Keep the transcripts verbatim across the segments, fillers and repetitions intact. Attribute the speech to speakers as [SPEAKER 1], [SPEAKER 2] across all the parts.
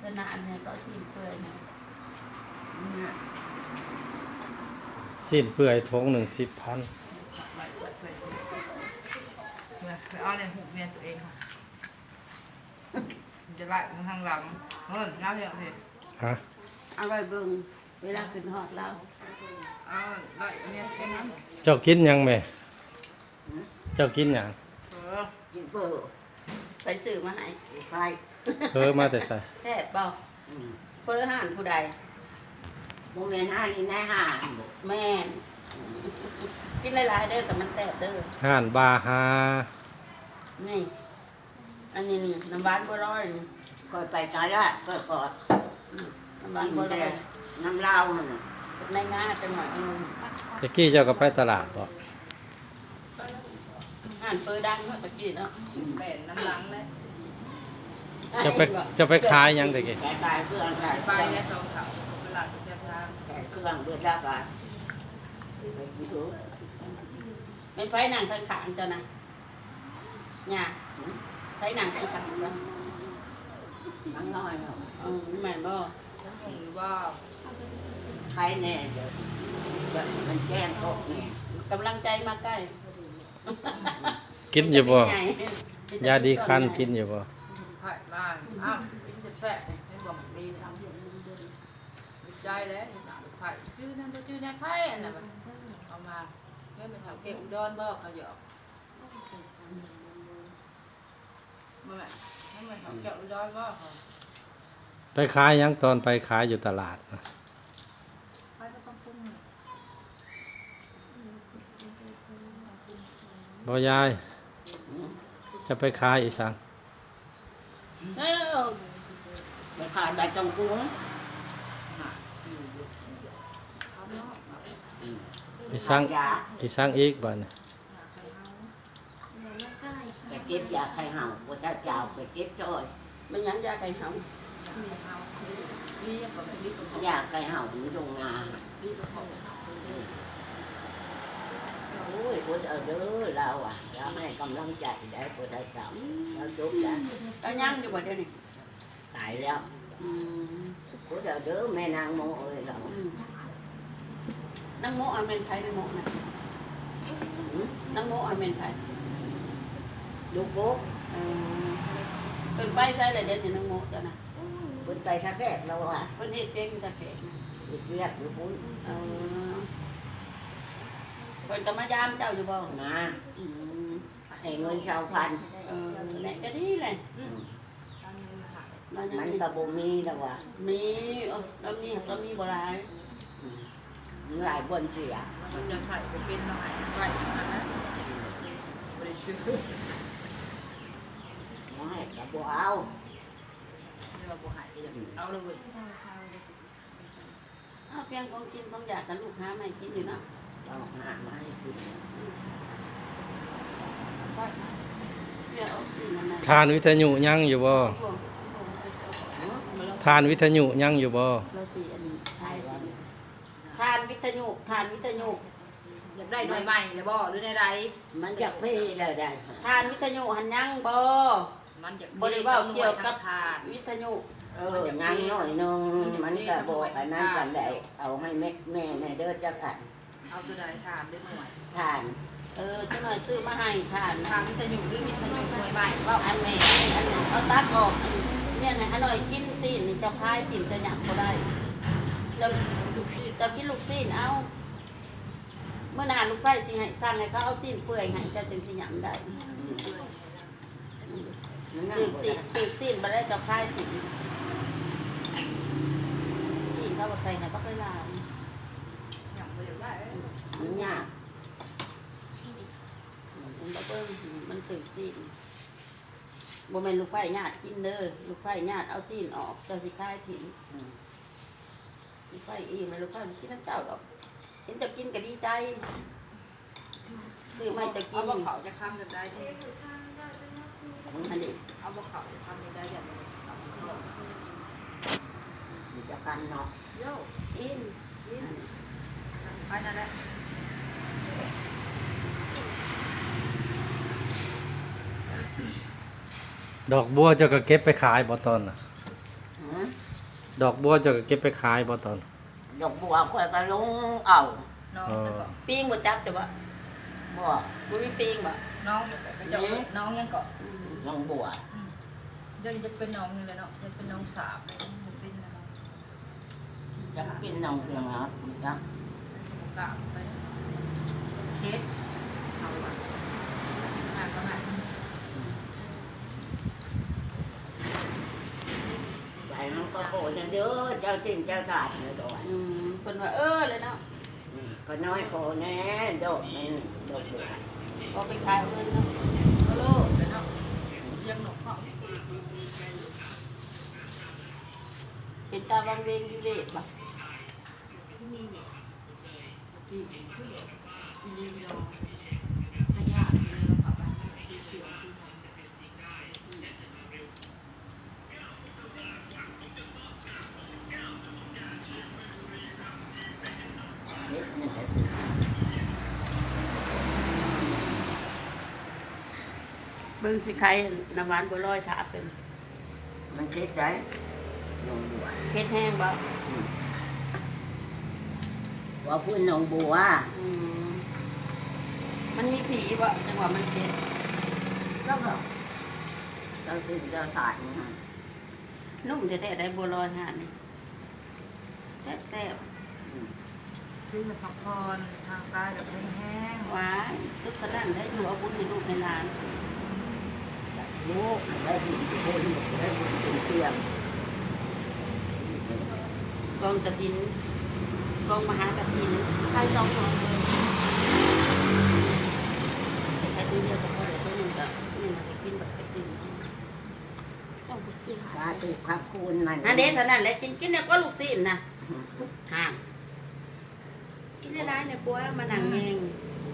[SPEAKER 1] ขนาดเนี่ยก็สิ้นเปลือยนะ
[SPEAKER 2] สิ้นเปื่อยทงหนึ่งสิบพัน
[SPEAKER 3] ไปสวยไปสวยไปเอาในหูเมียตัวเองค่ะจะไล่ทางหลังเฮ้ยน้าเพียงเพ
[SPEAKER 2] ฮะ
[SPEAKER 1] เอาไว้เบิ่งเวลาขึ้นหอดเรา
[SPEAKER 3] เอาไล่เมียแค่นั้น
[SPEAKER 2] เจ้ากินหยังไหมเจ้ากินหยัง
[SPEAKER 3] เออ
[SPEAKER 4] กินเปิด
[SPEAKER 1] ไปซื้อมาให้
[SPEAKER 4] ไป
[SPEAKER 2] เพิ่มมาแต่ใส่
[SPEAKER 1] แซ่บเปล่าสเปอร์ห่านผู้ใด
[SPEAKER 4] โมเมนต์ห้านี่ในห้า
[SPEAKER 1] แม่นกินหลายๆเด้อแต่มันแซ่บเด้อ
[SPEAKER 2] ห่านบาฮา
[SPEAKER 1] นี่อันนี้นี่น้ำหวานบัวลอยนี่
[SPEAKER 4] ก่อนไปตายละก็กอด
[SPEAKER 1] น้ำหวาน
[SPEAKER 4] กิน
[SPEAKER 1] บัวล
[SPEAKER 4] แต่
[SPEAKER 1] อย
[SPEAKER 4] น้ำเหล้ามัน
[SPEAKER 1] ในงาจังหวัดนึง
[SPEAKER 2] ตะกี้เจ้าก็ไปตลาดบ่
[SPEAKER 1] ห่านเปอร์ดังเมื่อกี้เนาะ
[SPEAKER 3] แบ่น้ำหลังเลย
[SPEAKER 2] จะไปจะไปขายหยังตะกี้
[SPEAKER 4] แก่ตายเครื่องแก่
[SPEAKER 3] ไปแล้วสองเขาเวลาไปเที่ยวทาง
[SPEAKER 4] แก่เครื่องเบิดแล้วกันไปกินดู
[SPEAKER 1] เป็นไฟหนังข้างๆเจ้านะเนี่ยไฟหนังข้างๆเจ้า
[SPEAKER 4] มันน้อยเนาะ
[SPEAKER 1] อืมแม่นบ่
[SPEAKER 3] หรือว่า
[SPEAKER 4] ใครแน่เดี๋ยวมันแจ้งโต๊ะแน่
[SPEAKER 1] กำลังใจมาใกล้
[SPEAKER 2] กินอยู่บ่
[SPEAKER 1] เป็นไง
[SPEAKER 2] ยาดีคันกินอยู่บ่
[SPEAKER 3] ไผ่บ้านอ้าวเป็นจะแฝงให้บอกมีทำดีใจแล้วไผ่ชื่อนั่นก็ชื่อนั่นไผ่อันนั้นเอามาเมื่อมันแถวเก็บอุดรบ่เขาหยอกเมื่อให้มันแถวเก็บอุดรบ่เขา
[SPEAKER 2] ไปขายหยังตอนไปขายอยู่ตลาดน่ะ
[SPEAKER 3] ไผ่ก็ต้องปรุง
[SPEAKER 2] บ่ยายจะไปขายอีสัง
[SPEAKER 1] เออ
[SPEAKER 4] ไปขาดใบจงกุ้ง
[SPEAKER 2] อีสัง
[SPEAKER 4] ยา
[SPEAKER 2] อีสังอีกบ่เนี่ย
[SPEAKER 4] ไปเก็บยาไข่เห่าพระเจ้าเจ้าไปเก็บจ้อย
[SPEAKER 1] มันยังยาไข่หำ
[SPEAKER 3] นี่ก็ไม่รีบก็
[SPEAKER 4] ยาไข่เห่าอยู่ตรงนา
[SPEAKER 3] รีบก็เขา
[SPEAKER 4] โอ้ยพุทธเด้อเราอ่ะเราให้กำลังใจได้พุทธเจ้าเราจบแล้ว
[SPEAKER 1] ก็ยังอยู่บ่เดี๋ยวนี้
[SPEAKER 4] ตายแล้ว
[SPEAKER 1] อืม
[SPEAKER 4] พุทธเด้อแม่นางโมเอ้ยเรา
[SPEAKER 1] อืมนางโมอันเป็นไผนางโมน่ะนางโมอันเป็นไผ
[SPEAKER 4] ดูกุ๊ก
[SPEAKER 1] เออเพิ่นไปใส่ละเดี๋ยวนี้นางโมเจ้าน่ะ
[SPEAKER 4] พุทธไปทักแรกเราอ่ะ
[SPEAKER 1] เพิ่นเฮ็ดเพลงตะแขกนะ
[SPEAKER 4] อีกเรียกอยู่พุทธ
[SPEAKER 1] เออเพิ่นก็มายามเจ้าอยู่บ่
[SPEAKER 4] นะ
[SPEAKER 1] อืม
[SPEAKER 4] ให้เงินชาวพัน
[SPEAKER 1] เออแหละก็ดีแหละเรายัง
[SPEAKER 4] มัน
[SPEAKER 1] มี
[SPEAKER 4] ก็บ่มีแล้วว่ะ
[SPEAKER 1] มีเออเรามีเรามีบ่หลาย
[SPEAKER 4] มีหลายบนเสีย
[SPEAKER 3] มันจะใส่ไปเป็นหน่อยใส่มานะบริสุทธิ์
[SPEAKER 4] ไม่ก็บ่เอา
[SPEAKER 3] เรียกว่าบัวหายเอาเลย
[SPEAKER 1] อ้าวเพียงของกินของอยากกันลูกค้าไม่กินอยู่เนาะ
[SPEAKER 4] เอาหามาให้กิน
[SPEAKER 1] ก็เดี๋ยวเอาสินั่นน่ะ
[SPEAKER 2] ทานวิทยุยังอยู่บ่ทานวิทยุยังอยู่บ่
[SPEAKER 1] เราสิอันไทยทานวิทยุทานวิทยุ
[SPEAKER 3] อยากได้หน่วยใหม่หรือบ่หรือในใด
[SPEAKER 4] มันจะเพ่แล้วได้
[SPEAKER 1] ทานวิทยุหันยังบ่
[SPEAKER 3] มันอยาก
[SPEAKER 1] บ่ได้เว้าเกี่ยวกับ
[SPEAKER 3] ทาน
[SPEAKER 1] วิทยุ
[SPEAKER 4] เอองานน้อยนึงมันก็บ่อันนั้นกันได้เอาให้แม่แม่ในเด้อจักอัน
[SPEAKER 3] เอาตัวใดทานได้หน่วย
[SPEAKER 4] ทาน
[SPEAKER 1] เออจังหน่อยซื้อมาให้ทาน
[SPEAKER 3] ทา
[SPEAKER 1] นะ
[SPEAKER 3] นวิทยุหรือวิทยุหน่วยใหม่
[SPEAKER 1] ว่าอันนี้อันนี้เอาตัดออกอันเนี่ยนะฮะหน่อยกินซีนนี่จะคายจิ้มจะหยับก็ได้จะจะกินลูกซีนเอาเมื่อนานลูกไฟสิให้สั่งให้เขาเอาซีนเปื่อยให้เจ้าจึงสิหยำได้
[SPEAKER 4] มันนั่ง
[SPEAKER 1] ถือ
[SPEAKER 4] บ่
[SPEAKER 1] ซี
[SPEAKER 4] ได้
[SPEAKER 1] นถือซีนมาได้จะคายจิ้มซีนเขาบอกใส่ให้ปักเลยลาย
[SPEAKER 3] อยากไปอยากได้
[SPEAKER 4] มันยาก
[SPEAKER 1] มันบ่เบิ่งมันถือซีนบ่แม่นลูกไฟญาติกินเด้อลูกไฟญาติเอาซีนออกเจ้าสิคายถิ่ม ลูกไฟอีมันลูกไฟมันกินน้ำเจ้าดอกเห็นจะกินก็ดีใจซื้อไม่จะกิ
[SPEAKER 3] เอา
[SPEAKER 1] น
[SPEAKER 3] บ่เขาจะค้ำจะได้ดิ
[SPEAKER 1] อันนี้
[SPEAKER 3] เอาบ่เขาจะค้ำจะได้อย่าง
[SPEAKER 4] มันจะกันเนาะ
[SPEAKER 3] โย่
[SPEAKER 1] กิน
[SPEAKER 3] กินไปนั่นแหละ
[SPEAKER 2] ดอกบัวเจ้าก็เก็บไปขายบ่ตอนน่ะ
[SPEAKER 4] ฮะ
[SPEAKER 2] ดอกบัวเจะเก็บไปขายบ่ตอน
[SPEAKER 4] ดอกบัวคอยก็ลงเอา
[SPEAKER 3] น้องซะก่อน
[SPEAKER 1] ปีงบ่จับจ้ะบ่
[SPEAKER 4] บ่
[SPEAKER 1] บ่มีปีงบ่
[SPEAKER 3] น้องก็จะน้องยังเกาะ
[SPEAKER 1] อืม
[SPEAKER 4] น้องบัว
[SPEAKER 3] เดินจะเป็นน้องนี่แหละเนาะจะเป็นน้องสาวเป็นน้อง
[SPEAKER 4] จะเป็นน้องเพียงครับนะ
[SPEAKER 3] กะไปเคสเอาไว้หาก็หา
[SPEAKER 4] ไปมันก็โหดเด้อเจ้าจริงเจ้าตาดเลยดอก
[SPEAKER 1] อืมเพิ่นว่าเออเลยเนาะ
[SPEAKER 4] ก็น้อยโคแน่ดอกมันดอกบัว
[SPEAKER 1] ก็ไปขายเอาเงินเนาะ
[SPEAKER 3] โลโลเดี๋ยวเนาะเชียงหนกเขา
[SPEAKER 1] เป็นตาบางเวงอยู่เด้บ่
[SPEAKER 3] ที่อีลีโลขยะเลยเราขับไปที่เชียงที่
[SPEAKER 4] เฮ็ดนี่แหละ
[SPEAKER 1] เบิ่งสิใครน้ำหวานบัวลอยถาเป็น
[SPEAKER 4] มันคิดได้น้องบัว
[SPEAKER 1] เฮ็ดแห้งบ่
[SPEAKER 4] ว่าพูดน้องบัว
[SPEAKER 1] อืมมันมีผีบ่จังหวะมันเฮ็ด
[SPEAKER 4] แล้วก็เจ้าจริงเจ้าตาดนะ
[SPEAKER 1] นุ่มแท้ๆได้บัวลอยหานี่แซ่บ
[SPEAKER 3] ที่จะพักผ่อนทางกายแบบแห้ง
[SPEAKER 1] ๆหวานสุดขนาดได้อยู่เอาบุญให้ลูกให้หลาน
[SPEAKER 4] ลูกได้บุญคนได้บุญเป็นเตียง
[SPEAKER 1] กองกฐินกองมหากฐินใครสองคนเลยใครตัวเดียวก็พอเดี๋ยวตัวหนึงก็ตัวหนึงก็ไปกินแบบไปกินต้องไปซื้อ
[SPEAKER 4] สาธุครับคุณมัน
[SPEAKER 1] อันเด็ดเท่านั้นแหละกินกินเนี่ยก็ลูกศิษย์นะห่างกินได้ไรเนี่ยปัวมานั่งแยง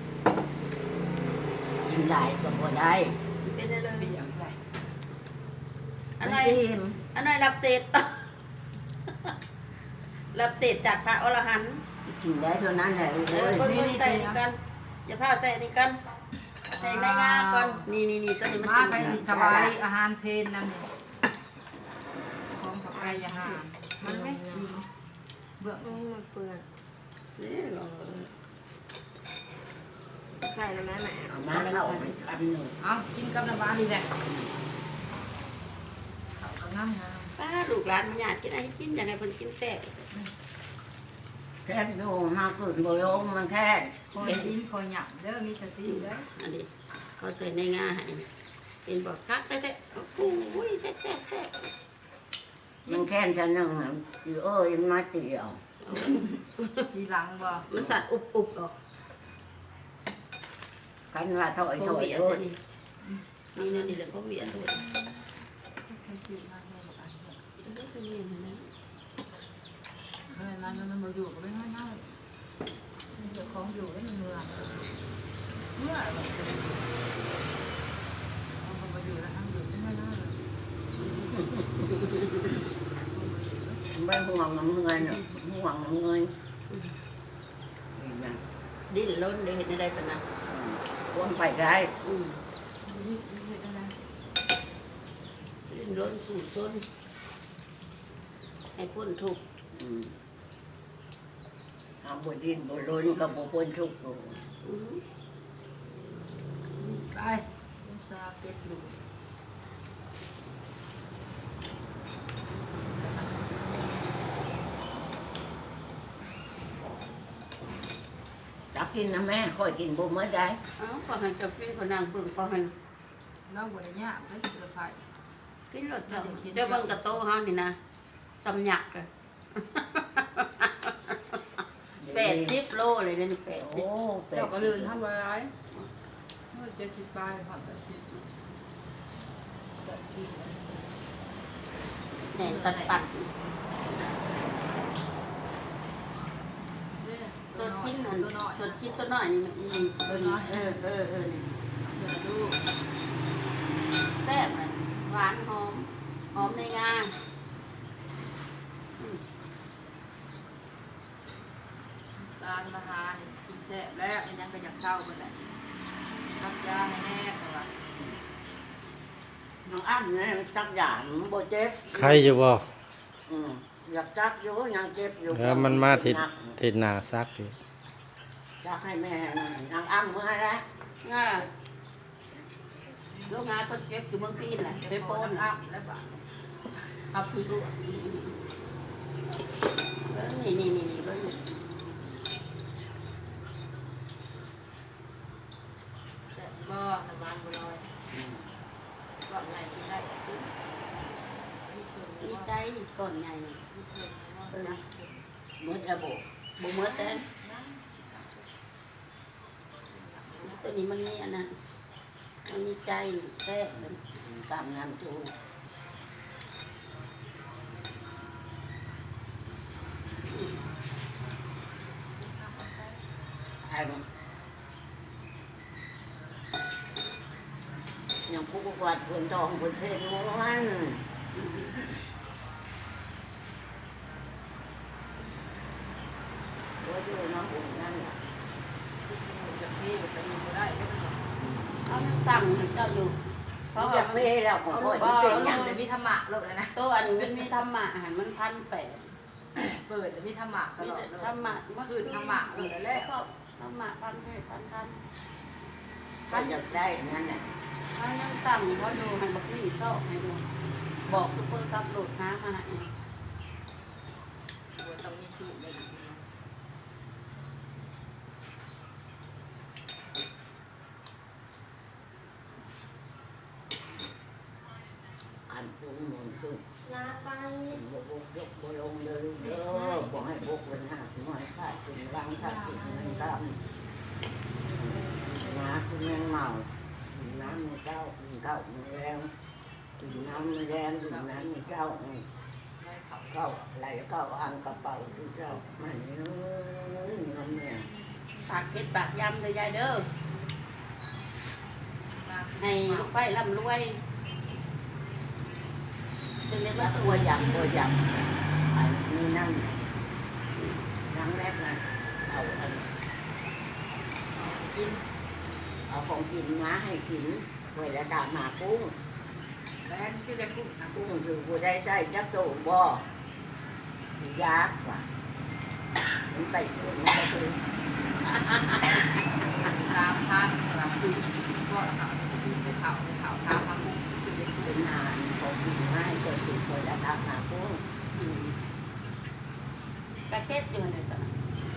[SPEAKER 4] ยิงหลายก็บ่ได้
[SPEAKER 1] เป็นได้เลย
[SPEAKER 3] ๆเป็นอย่างไร
[SPEAKER 1] อันไหน
[SPEAKER 4] ทีม
[SPEAKER 1] อันไหนรับเศษ รับเศษจากพระอรหันต์
[SPEAKER 4] กินได้เท่านั้นแหละ
[SPEAKER 1] เอ
[SPEAKER 4] เล
[SPEAKER 1] อย เพิ่งใส่นี่กันอย่าพาใส่นี่กันใส่ในงาก่อนนี่นี่นี่ตัวนี้มัน
[SPEAKER 3] มา
[SPEAKER 1] กิน
[SPEAKER 3] ไปสิสบายอาหารเพลนนั่นนี่ของผักไก่อาหารมันไม่จริงเบื่อ
[SPEAKER 5] ไม่มาเปลือก
[SPEAKER 1] นี่ลองเลย
[SPEAKER 5] ใส่แล้วแม่แม่
[SPEAKER 4] เอามาเข้าไปคำหนึ่ง
[SPEAKER 3] เอากินกับน้ำปลาดีแหละเขาก็งามงาม
[SPEAKER 1] ป้าลูกหลานมันอยากกินอะไรกินอย่างไรเพิ่นกินแซ่บ
[SPEAKER 4] แค่ดูมาเกิดโบยงมันแค่
[SPEAKER 3] คอยดินคอยหยับเด้อมีสติเด้อ
[SPEAKER 1] อันนี้เขาใส่ในงาให้เป็นบอกคักแต่แต่โอ้ยแซ่บแซ่บแซ่บ
[SPEAKER 4] มันแค่ฉันหนึ่งคือเอ้ยมาเตียว
[SPEAKER 3] ทีหลังบ่
[SPEAKER 1] มันสัตว์อุบอุบออก
[SPEAKER 4] กันว่าถอย
[SPEAKER 1] โค
[SPEAKER 4] ถอย
[SPEAKER 1] เบีย
[SPEAKER 4] โอ้
[SPEAKER 1] ตัวย นี้นี่นี่นี่แหละโคเบียตัวนี้
[SPEAKER 3] ไม่สิมาแม่บอกอันเนี้ย
[SPEAKER 1] จะได้ซื้อเงินนะ
[SPEAKER 3] เมื่อนั้นมันมาอยู่ก็ไม่ง่ายง่ายเจ้าของอยู่แล้วมันเมื่อเมื่อแบบเอาคนมาอยู่แล้วทั้งอยู่ไม่ง่ายง่ายเลย
[SPEAKER 4] ไม่ห่วงเงินห่วงเงินนี่นะ
[SPEAKER 1] ดิ้นล้นเลยเห็นได้สนะ
[SPEAKER 4] ควรไปได้
[SPEAKER 1] อืมดิ้นล้นสูดซนให้พ้นทุกข์
[SPEAKER 4] เอาบดินบล้นกับบุพ้นทุกข์
[SPEAKER 1] อืม
[SPEAKER 3] ไปลุงซาเก็บอยู่
[SPEAKER 4] จักกินนะแม่ค่อยกินบุเมื่อใด
[SPEAKER 1] เอ้าพอให้จับกินคนนั่งเบิ่งพอให้
[SPEAKER 3] เราบริญญาไม่เกิดไฟ
[SPEAKER 1] กินรถเจ้าเดี๋ยวเบิ่งกระโตเฮานี่นะสำหยักอะแปดสิบโลเลยเดี๋ยวนี่แปดสิบ
[SPEAKER 4] โอ้แปด
[SPEAKER 3] เจ้าก็เดินทำอะไรเมื่อเจ็ดสิบปลายผ่านไปสิบแปดสิบ
[SPEAKER 1] แหน่ตัดปัด
[SPEAKER 3] เนี่ย
[SPEAKER 1] สดกิน
[SPEAKER 3] ตั
[SPEAKER 1] อั
[SPEAKER 3] วน น้อย
[SPEAKER 1] สดกินตัวน้อยนี่มันนี่ตัวนี้เออเออเออนี่เดี๋ยวดูแซ่บเลยหวานหอมหอมในงาอืม
[SPEAKER 3] ตาลมาหาเนี่ยกินแซ่บแล้วอันยังก็อยากเศร้ากันแหละซับยาให้แน่เพราะว่า
[SPEAKER 4] น้องอ้ำเนี่ยสักอย่างโบเจ็บ
[SPEAKER 2] ใครอยู่บ่
[SPEAKER 4] อืมอยากจักอยู่ยังเจ็บอยู่
[SPEAKER 2] แล้วมันมาทิศ
[SPEAKER 4] หนัก
[SPEAKER 2] ทิศหน้าซักอีก
[SPEAKER 4] จักให้แม่นางอ้ำเมื่อแล้ว
[SPEAKER 1] ง่าลูกงานคนเจ็บอยู่เมืองพีนแหละเซ
[SPEAKER 3] เจ็บ
[SPEAKER 1] โป
[SPEAKER 3] โป
[SPEAKER 1] น
[SPEAKER 3] นอัพแล้วป่ะ
[SPEAKER 1] อับคือรู้เออนี่นี่นี่นี่เบิ่ง
[SPEAKER 3] แต่บ่น้ำมันบ่ลอยก่อนใหญ่กินได้แต่กินที่เพิ่น
[SPEAKER 1] มี
[SPEAKER 3] มี
[SPEAKER 1] ใจ
[SPEAKER 3] ใจ
[SPEAKER 1] ก่อนใหญ่นี่
[SPEAKER 3] ที่เพิ่นเนาะนะ
[SPEAKER 4] เมื่อระบบ
[SPEAKER 1] บ่เมื่อแต่ตัวนี้มันมีอันนั้นมันมีใจแทรกเลย
[SPEAKER 4] ตามงานจูไอ้ยังผู้กวาดคนทองคนเทนม้วนก็อยู่น้ำอุ่นนั่นแหละ
[SPEAKER 3] จะพี่มันก็ดีบ่ได้เด้อมัน
[SPEAKER 1] เอายังสั่งให้เจ้าอยู่เพ
[SPEAKER 4] เขา
[SPEAKER 1] ราะ
[SPEAKER 4] จะ
[SPEAKER 1] ว่า
[SPEAKER 4] เพ่แล้วของพ่อ
[SPEAKER 3] บ่
[SPEAKER 4] ที่เป็น
[SPEAKER 3] เอา
[SPEAKER 4] อย่าง
[SPEAKER 3] เดี๋ยวมีธรรมะโลดแล้วนะ
[SPEAKER 1] ตัวอันมันมีธรรมะอาหารมันพันแปด
[SPEAKER 3] เปิดเดี๋ยวมีธรรมะต
[SPEAKER 1] มี
[SPEAKER 3] ลอด
[SPEAKER 1] แต่
[SPEAKER 3] เลย
[SPEAKER 1] ธรรมะเมื่อ
[SPEAKER 3] คืนธรรมะเลยแหละ
[SPEAKER 1] ก็ธรรมะพันเทศพันคัน
[SPEAKER 4] เขาจะได้นั่นแหละ
[SPEAKER 1] ถ้ายังสั่งเขาดูให้บักนี่ซอกให้ดูบอกซุปเปอร์ซับโหลดน้ำมาให้
[SPEAKER 3] บ่ต้องมีทุกข์ได้ดีเนาะ
[SPEAKER 4] อันตุ้งมันตุ้ง
[SPEAKER 1] ลาไป
[SPEAKER 4] บกบกยกบลงเลยเด้อบอกให้บกเป็นหักหน่อยขาดกินรังขาดกินเงินตามน้าคุณแมงเมากินน้ำมือเจ้ากินข้าวมือแรงกินน้ำมือแรงกินน้ำมือเจ้าไง
[SPEAKER 3] ได้เขา
[SPEAKER 4] เข้าไหลเข้าอ่างกระเป๋าที่เจ้ามันนี่น้ำเนี่ย
[SPEAKER 1] ปากเพ็ดปากยำเลยยายเด้อ
[SPEAKER 3] มา
[SPEAKER 1] ให้ลูกไฟร่ำรวยจึงได้มา
[SPEAKER 4] แล้ว
[SPEAKER 1] ส
[SPEAKER 4] ตัว
[SPEAKER 1] วย
[SPEAKER 4] ยำตัวยำอันนี้นั่นน้ำแรกนะเอาอัน
[SPEAKER 3] กิน
[SPEAKER 4] เอาของกินมาให้กินเวลาดามากุ้ง
[SPEAKER 3] แล้วชื่อได้กุ้งนะ
[SPEAKER 4] กุ้งอยู่กูได้ใส่จักโตบ่ยากว่ะมันไปสวนมันไปสวน
[SPEAKER 3] ตามพันสำหรับกุ้งก็เขาไปเขาไปเขาตามมากุ้งชื่อได้กุ้ง
[SPEAKER 4] เป็นนานของกินมาให้ตัวติดเวลาดามากุ้ง
[SPEAKER 1] อืมกระเทศอยู่ในสนาม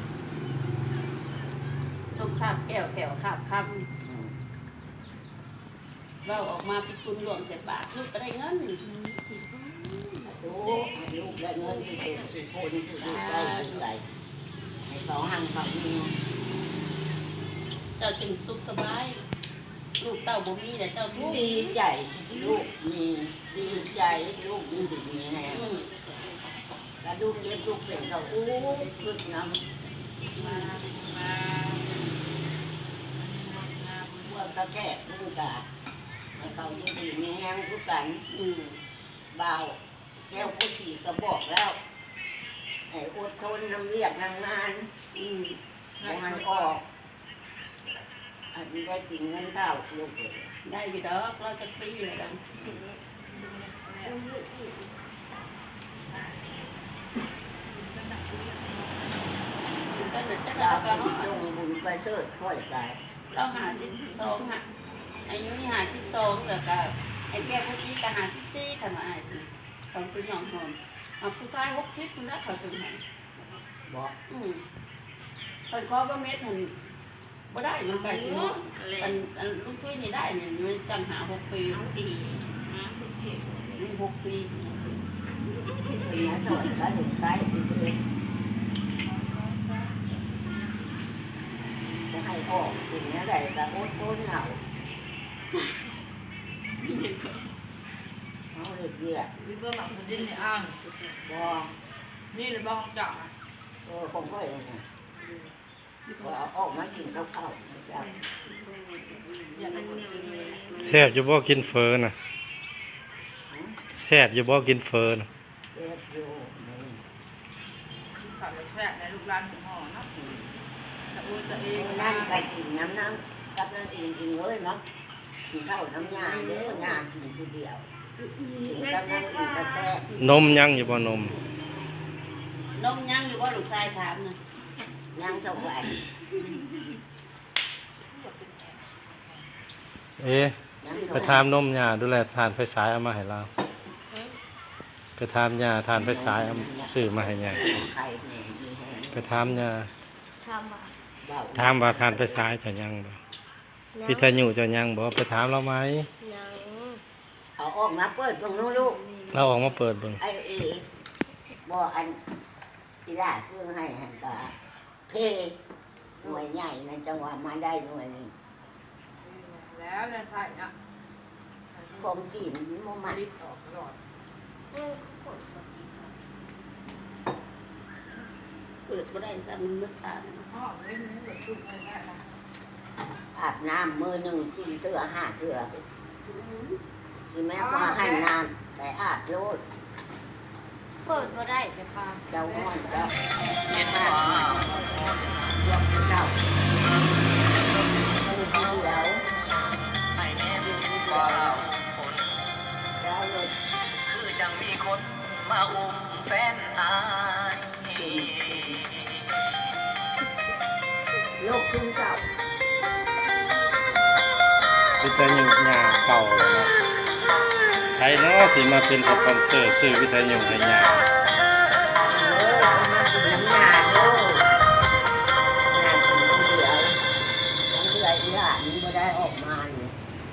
[SPEAKER 1] สุขภาพแก้วแขวขาบคำ
[SPEAKER 4] อืม
[SPEAKER 1] เราออกมาพิคุณหลวงแต่บาทลูกก็ได้เงิน
[SPEAKER 4] ดูให้ลูกได้เงินสิบสิบคนสิบได้สิบไหลให้เขาหังเขามี
[SPEAKER 1] เจ้าจึงสุขสบาย ลูกเต้าบ่มีแต่เจ้าทุกข์
[SPEAKER 4] ดีใจลูกมีดีใจลูกมีดีมีแฮง
[SPEAKER 1] อืม
[SPEAKER 4] แล้วลูกเก็บลูกเป็นเขาอู้ขึ้นน้
[SPEAKER 3] มามา
[SPEAKER 4] ำว่าตะแก่ลูกกาให้เขาดีดีมีแฮงทุกกัน
[SPEAKER 1] อืม
[SPEAKER 4] เบาแก้วผู้ฉีก็บอกแล้วให้อดทนทำเรียกทำงาน
[SPEAKER 1] อืม
[SPEAKER 4] บ่ให้ออกอันนี้ได้กินเงินเท่าลูกเลย
[SPEAKER 1] ได้อยู่ดอกเราจะปีเลยดังกินกันเด็ดจะ
[SPEAKER 4] ดา
[SPEAKER 1] ได้
[SPEAKER 4] ว
[SPEAKER 1] ก็
[SPEAKER 4] ที่
[SPEAKER 1] เนาะ
[SPEAKER 4] ลงบุญไปเสิร์ชค่อยกาย
[SPEAKER 1] เราหาสิบสองฮะอายุหาสิบสองเดี๋ยวก็ไอ้แก้ผู้ชี้ก็หาสิบสี่ขนาดไอ้ของคุณน้องหอมเอาผู้ชายหกชิดคุณนะเขาถึงหัน
[SPEAKER 4] บอก
[SPEAKER 1] อืมคนคอบ่เม็ดหันบ่ได้มันไก่สิเนาะอันอันลูกช่วยนี่ได้เนี่ยมันจังหาหกปีหกปีนี่หกปี
[SPEAKER 4] เป็นนักสอนก็ถึงใกล้เลยจะให้ออกถึงอะไรแต่อดทนเอาเอาเด็กเดีย
[SPEAKER 3] วิเบอร์หมักมันดิ้นในอ่าง
[SPEAKER 4] บอ
[SPEAKER 3] นี่เลยบ้องจ่า
[SPEAKER 4] เออคงก็เองนะพอเอาออกมากินข้าวข้าวไม่ใช่
[SPEAKER 3] อย่าเป็นคนกินเลย
[SPEAKER 2] แซ่บอยู่บ่กินเฟอน่ะแซ่บอยู่บ่กินเฟอน่ะ
[SPEAKER 4] เซฟอยู่นี่
[SPEAKER 3] ขับรถแทรกในลูกร้านของห่อเนาะแต่อุ้ยตัวเอง
[SPEAKER 4] นั่นก็กินน้ำน้ำกับนั่นเองกินเลยเนาะกินข้าวน้ำยาเยอะงากินทีเดียวกินกับนั่นกินกระแทก
[SPEAKER 2] นมยังอยู่บ่นม
[SPEAKER 4] น
[SPEAKER 1] นมยังอยู่ว่าลูกชายถามนะ
[SPEAKER 4] ยังส่งไหล
[SPEAKER 2] เอ๊ะ
[SPEAKER 4] ยัง
[SPEAKER 2] ไป
[SPEAKER 4] ส่ง
[SPEAKER 2] ถามนมยาดูแลทานไฟสายเอามาให้เราไปถามยาทานไฟสายเอาซื้อมาให้ยา
[SPEAKER 4] ไข่แหน่มีแหง
[SPEAKER 2] ไปถามยา
[SPEAKER 5] ทำอ่ะ
[SPEAKER 4] เบา
[SPEAKER 2] ถามว่าทานไฟสายจะยังบ่พิทยุจะยังบ่ไปถามเราไหม
[SPEAKER 5] ยัง
[SPEAKER 4] เอาออกมาเปิดเบิ่งนู้นลูก
[SPEAKER 2] เราออกมาเปิดเบิ่ง
[SPEAKER 4] ไอ้เอบ่อันอีล่าซื้อให้หันก็เพหน่วยใหญ่ในจังหวัดมาได้หน่วยนี้
[SPEAKER 3] แล้วเนี่ยใช่นะ
[SPEAKER 4] ของจีนมัน
[SPEAKER 3] มา
[SPEAKER 4] มา
[SPEAKER 3] ลิดออกตลอด
[SPEAKER 1] เปิดบ่ได้ซ้ำมันมืดตา
[SPEAKER 3] ห้องเล่นนี่แบบตุ้มอะไรได้ละ
[SPEAKER 4] อาบน้ำมือหนึ่งสี่เตือห้าเตือที่แม่ว่าให้น้ำแต่อาบโลด
[SPEAKER 5] เปิดก็ได้
[SPEAKER 3] จะพา
[SPEAKER 4] เจ้าห้อนเจ้าแม่บ้านยกเจ้ามือเดียว
[SPEAKER 6] ให้แน่ว่าเราคน
[SPEAKER 4] แล้วเลย
[SPEAKER 6] คือจังมีคนมาอุ้มแฟนอาย
[SPEAKER 4] ลูกขึ้นเจ้า
[SPEAKER 2] พิทยุยาเก่าแล้วเนาะใครเนาะสิมาเป็นสปอนเซอร์ซื้อวิทยุให้ยา
[SPEAKER 4] เออจะมากินน้ำยาโลดงานกินคนเดียวยังเหลืออีหลานนี่ไม่ได้ออกมาเนี่ย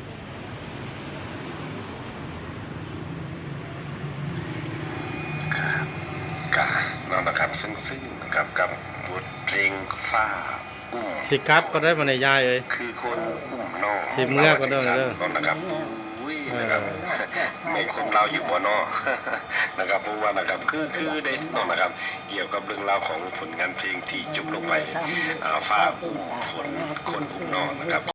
[SPEAKER 7] กาเนาะนะครับซึ่งซึ่งนะครับกับบทเพลงฟ้าอุ้ม
[SPEAKER 2] สิกลับก็ได้มาในยายเอ้ย
[SPEAKER 7] คือคนอุ้มน้อง
[SPEAKER 2] สิเมื่อก็เด้อเด้อ
[SPEAKER 7] นาะนะครับอุ้ยนะครับในคนเราอยู่บ่เนอ นะครับเพราะว่านะครับคือคือได้เนาะนะครับ เกี่ยวกับเรื่องราวของผลงานเพลงที่จบลงไปอ่าฟ้าอุ้มฝนคนอุ้มน้องนะครับ